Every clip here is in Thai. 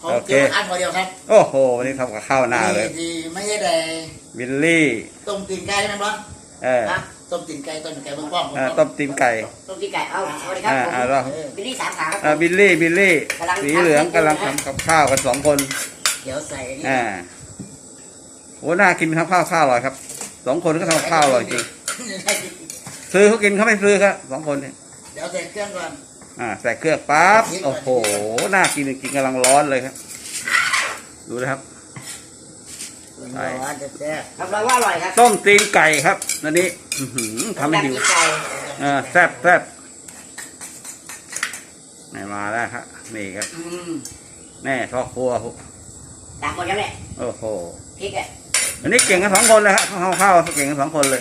เขาเกี่ยวอันเดียวครับโอ้โหวันนี้ทำกับข้าวหน้าเลยที่ไม่ใช่แต่วิลลี่ต้มตีนไก่ไหมบ้างต้มตีนไก่ต้มไก่เบื้องป้อมต้มตีนไก่ต้มตีนไก่เอาสวัสดีครับบิลลี่3 ขาครับบิลลี่สีเหลืองกำลังทำกับข้าวกัน2 คนเดี๋ยวใส่โอ้น่ากินครับข้าวอร่อยครับ2 คนก็ทำข้าวอร่อยจริงซื้อเขากินเขาไม่ซื้อครับ2 คนเนี่ยเดี๋ยวใส่เครื่องก่อนใส่เครื่องปั๊บโอ้โหน่ากินจริงกำลังร้อนเลยครับดูนะครับรับรองว่าอร่อยครับต้มตีนไก่ครับนั่นนี้ทำให้หิวแซ่บนี่มาแล้วครับนี่ครับแน่พ่อครัวต่างคนกันเลยโอ้โหพริกอ่ะอันนี้เก่งกัน2 คนเลยครับข้าวเก่งกัน2 คนเลย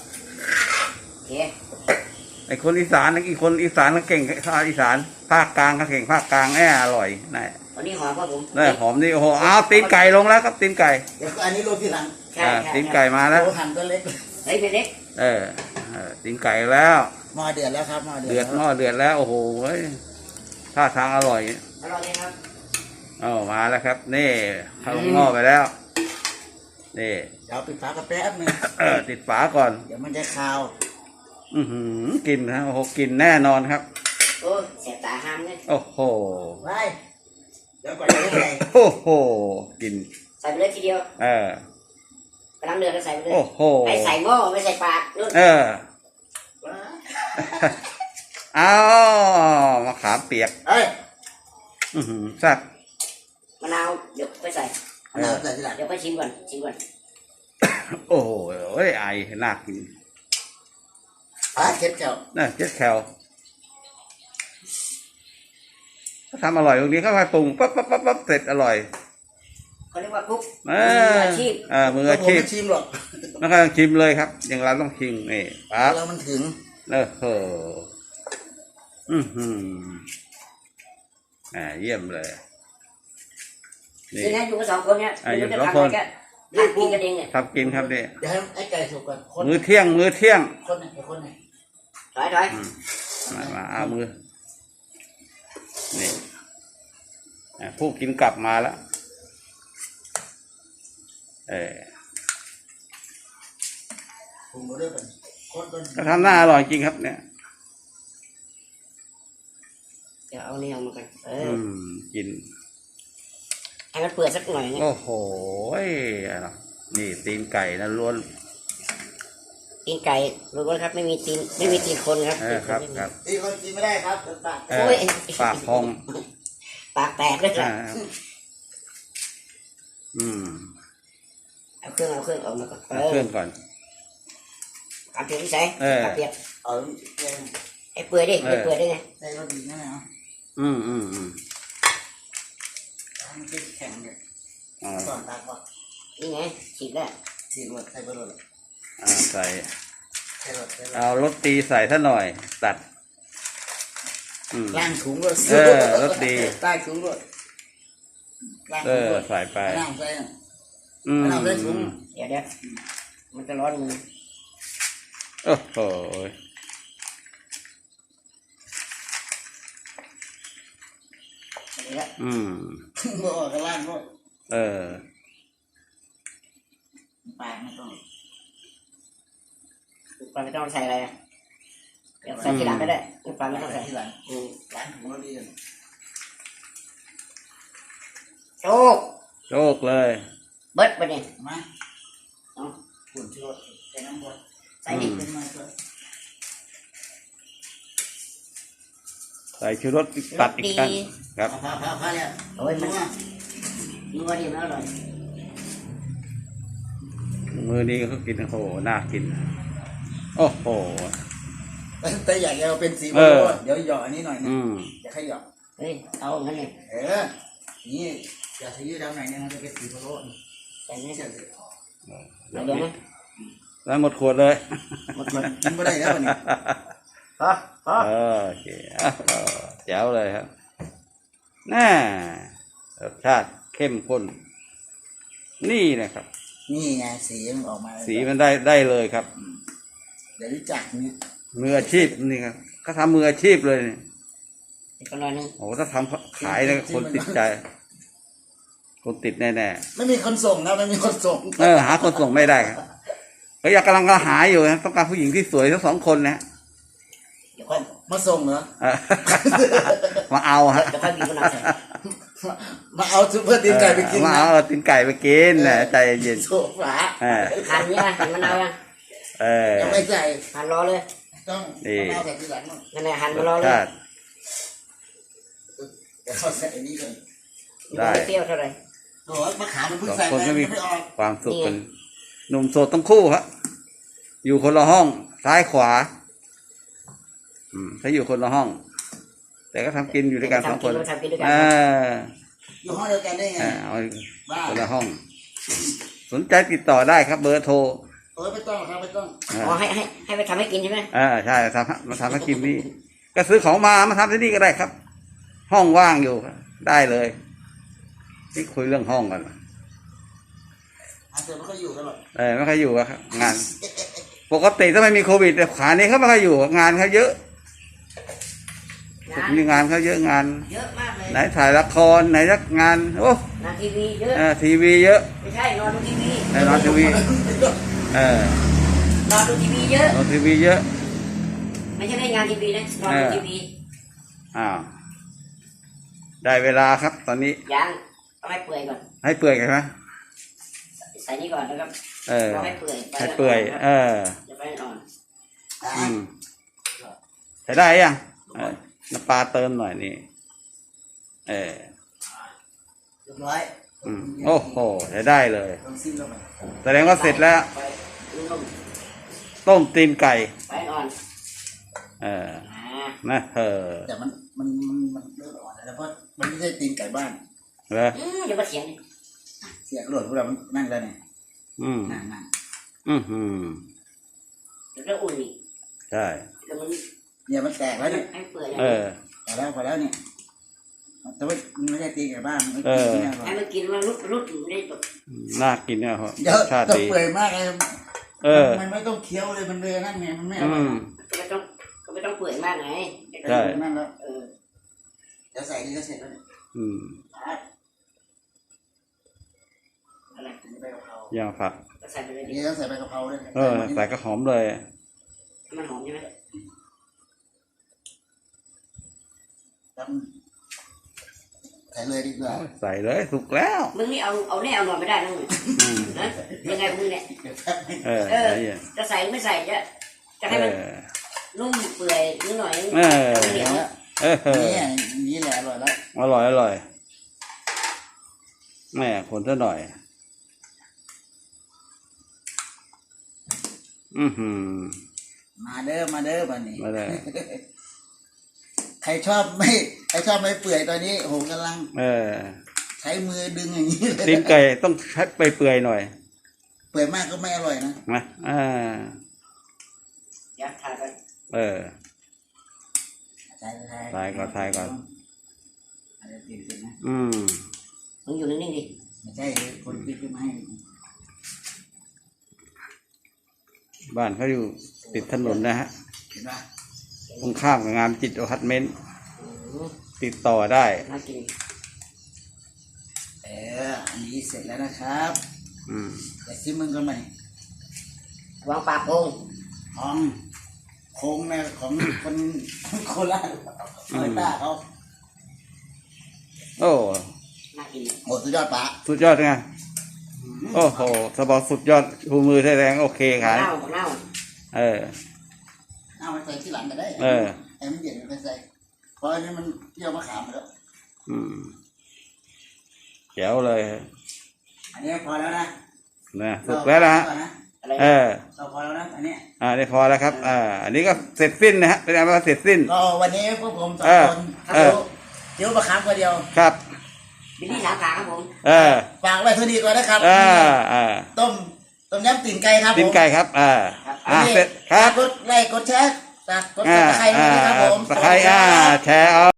ไอ้คนอีสานอีกคนอีสานก็เก่งภาคอีสานภาคกลางก็เก่งภาคกลางอร่อยนี่วันนี้หอมครับผมหอมนี่โอ้โหเอาตีนไก่ลงแล้วครับตีนไก่เดี๋ยวอันนี้โรยทีหลังตีนไก่มาแล้วหั่นตัวเล็กเล็กตีนไก่แล้วหม้อเดือดแล้วครับหม้อเดือดแล้วโอ้โหท่าทางอร่อยเลยครับมาแล้วครับนี่เข้าหม้อไปแล้วนี่เดี๋ยวปิดฝากระแป๊บนึงติดฝาก่อนเดี๋ยวมันจะคาวกินนะโอ้โหกินแน่นอนครับโอ้เสียตาห้ามเลยโอ้โหไปเดี๋ยวก่อนจะได้โอ้โหกินใส่ไปเลยทีเดียวกำลังเดือดแล้วใส่ไปเลยโอ้โหไม่ใส่หม้อไม่ใส่ปากนู่นเอามะขามเปียกแซ่บมะนาวเดี๋ยวไปใส่มะนาวใส่ทีหลังเดี๋ยวไปชิมก่อนโอ้โหไอน่ากินเจ็ดแคลเจ็ดแคลเขาทำอร่อยตรงนี้เขาไปปรุงปั๊บเสร็จอร่อยเขาเรียกว่าคุกมืออาชีพมืออาชีพชิมหรอกแล้วก็ชิมเลยครับอย่างเราต้องชิมนี่ปั๊บแล้วมันถึงเยี่ยมเลยนี่นะอยู่กัน2 คนเนี่ยอยู่2 คนกินกันเองเนี่ยทำกินครับเนี่ยเดี๋ยวให้ไอ้ไก่สุกก่อนมื้อเที่ยงคนไหนถอยมาเอามือนี่ผู้กินกลับมาแล้วก็ทำหน้าอร่อยจริงครับเนี่ยเดี๋ยวเอานี่ออกมากันกินให้มันเปื่อยสักหน่อยโอ้โหนี่ตีนไก่นะล้วนตีนไก่รู้ว่าครับไม่มีตีนคนครับตีนคนกินไม่ได้ครับปากพองปากแตกเลยครับเอาเครื่องออกมาก่อนเอาเครื่องก่อนเอาเปียกที่ใส่เปียกไอ้เปื่อยดิไงใส่รสดีนะเนาะมันจะแข็งเลยก่อนตาก่อนนี่ไงฉีกแล้วฉีกหมดใส่ไปหมดใส่เอารสตีใส่ซะหน่อยตัดล่างถุงรสดีใต้ถุงรสใส่ไปล่างใส่ถุงเดี๋ยวมันจะร้อนมือโอ้โหบอกกันล่างก็ปลาไม่ต้องใส่อะไรเดี๋ยวใส่ทีหลังก็ได้ปลาไม่ต้องใส่ทีหลังล้างถุงแล้วดีโชคเลยเบิดไปเนี่ยมาฝุ่นที่รถใส่น้ำบดใส่ดิใส่ชูรสตัดอีกครั้งครับพาเนี่ยโอ้ยนัวดีแล้วอร่อยมือนี้เขากินโอ้โหน่ากินโอ้โหแต่อยากจะเป็นสีโบโลเดี๋ยวหยอดอันนี้หน่อยนะอยากให้หยอดเอางั้นเลยนี่อยากใช้ยืดดำหน่อยนึงมันจะเป็นสีโบโลแต่นี่จะเดี๋ยวนะแล้วหมดขวดเลยกินไม่ได้แล้ววันนี้โอเคแจ๋วเลยครับน่ารสชาติเข้มข้นนี่นะครับนี่ไงสีมันออกมาสีมันได้เลยครับเดี๋ยวรู้จักนี่มืออาชีพนี่ครับเขาทำมืออาชีพเลยนี่ก็ร้อยนึงโอ้ถ้าทำขายเลยคนติดใจคนติดแน่ไม่มีคนส่งนะไม่มีคนส่งๆหาคนส่งไม่ได้ครับก็อยากกำลังหาอยู่นะต้องการผู้หญิงที่สวยทั้งสองคนนะเดี๋ยวค่อยมาส่งเหรอเออ มาเอาฮะเดี๋ยวค่อยบีบมะนาวใส่มาเอาซุปเปอร์ตีนไก่ไปกินมานะเอาตีนไก่ไปกินนะใจเย็นโซฟาหั่นเนี่ยหั่นมะนาวยังยังไม่ใส่หั่นรอเลยต้องมะนาวใส่ทีหลังมั้งนั่นแหละหั่นรมาสรอเลยชาติเดี๋ยวเขาใส่อันนี้ก่อนได้ม่เปรี้ยวเท่าไหร่โอ้ยมะขามมันเพิ่งสองใส่คนไปก็มีไม่ออกความสุขกันหนุ่มโสดทั้งคู่ครับอยู่คนละห้องซ้ายขวาถ้าอยู่คนละห้อง แต่ก็ทำกินอยู่ด้วยกันสองคนทำกินด้วยกันอยู่ห้องเดียวกันได้ไงเอาบ้าคนละห้อง สนใจติดต่อได้ครับ เบอร์โทรไม่ต้องครับไม่ต้องอ๋อให้ไปทำให้กินใช่ไหมใช่มาทำให้กินนี่ก็ซื้อของมาทำที่นี่ก็ได้ครับ ห้องว่างอยู่ได้เลยที่คุยเรื่องห้องกันเดี๋ยวไม่ค่อยอยู่กันหรอกไม่ค่อยอยู่อะครับงาน ปกติถ้าไม่มีโควิดแต่ขานี้เขาไม่ค่อยอยู่งานเขาเยอะมีงานเขาเยอะงานเยอะมากเลยไหนถ่ายละครไหนรักงานโอ้งานทีวีเยอะทีวีเยอะไม่ใช่นอนดูทีวีนอนทีวีนอนดูทีวีเยอะนอนทีวีเยอะไม่ใช่ได้งานทีวีนะนอนดูทีวีอ้าวได้เวลาครับ ตอนนี้ยังต้องให้เปื่อยก่อนให้เปื่อยกันไหมใส่นี่ก่อนนะครับต้องให้เปื่อยให้เปื่อยจะไปอ่อนใช้ได้ยังน้ำปลาเติมหน่อยนี่เรียบร้อยโอ้โหใช้ได้เลยลองซิมลงไปแสดงว่าเสร็จแล้ว ต้มตีนไก่ไปอ่อนนะแต่มันเริ่มอ่อนแล้วเพราะมันไม่ใช่ตีนไก่บ้านเหรออย่ามาเถียงเสียกระโดดพวกเรามันนั่งแล้วเนี่ยนั่งเดี๋ยวจะอุ่นอีกใช่เดี๋ยวมันเนี่ยมันแตกแล้วเนี่ยให้เปื่อยพอแล้วเนี่ยแต่ว่ามันไม่ใช่ตีนไก่บ้านมันให้มันกินมันรุดอยู่ได้แบบน่ากินเนี่ยครับเดี๋ยวชาติต้องดีเปื่อยมากเลย มันไม่ต้องเคี้ยวเลยมันเลยนั่นไงมันไม่อร่อยก็ไม่ต้องเปื่อยมากไงใช่นั่นแล้วเดี๋ยวใส่นี่ก็เสร็จแล้วเนี่ยอะไรใบกะเพราย่างผักใส่ไปเลยดินี่ต้องใส่ใบกะเพราด้วยใส่ก็หอมเลยมันหอมใช่ไหมใส่เลยดีกว่าใส่เลยสุกแล้วมึงนี่เอาแน่เอานอนไม่ได้นะมึงนะยังไงมึงเนี่ย จะใส่หรือไม่ใส่จะให้มันนุ่มเปื่อยนิดหน่อยเหนียวนี่แหละอร่อยแล้วอร่อยแม่คนซะหน่อยมาเด้อบันนี้มาเลยใครชอบไม่เปื่อยตอนนี้โหกำลังใช้มือดึงอย่างนี้เลยตีนไก่ต้องใช้ไปเปื่อยหน่อยเปื่อยมากก็ไม่อร่อยนะนะอยากทานไปทายก่อน อะไรติดนะมึงอยู่นิ่งๆดิไม่ใช่คนที่ขึ้นมาให้บ้านเขาอยู่ติดถนนนะฮะเห็นปะตรงข้ามกับงานจิตอพาร์ตเมนต์ติดต่อได้น่ากินอันนี้เสร็จแล้วนะครับแต่ซิมึงกันไหมวางปากโงของโค้งนะของคนโคราชคอยต้าเขาโอ้น่ากินโหสุดยอดปะสุดยอดไงโอ้โหสบอสุดยอดชูมือแสดงโอเคครับเน่าเอาไปใส่ที่หลังก็ได้ไอ้มันเย็นไปใส่เพราะอันนี้มันเที่ยวมะขามไปแล้วแจ๋วเลยอันนี้พอแล้วนะสุกแล้วนะฮะเราพอแล้วนะอันนี้นี่พอแล้วครับอันนี้ก็เสร็จสิ้นนะฮะเป็นอันว่าเสร็จสิ้นก็วันนี้พวกผมสองคนเดี๋ยวมะขามคนเดียวครับบิลลี่สามขาครับผมฝากไว้เท่านี้ก่อนนะครับต้มยำตีนไก่ครับผมตีนไก่ครับเสร็จครับกดไลค์กดแชร์กดติดตามนะครับผมตะไคร้แชร์เอา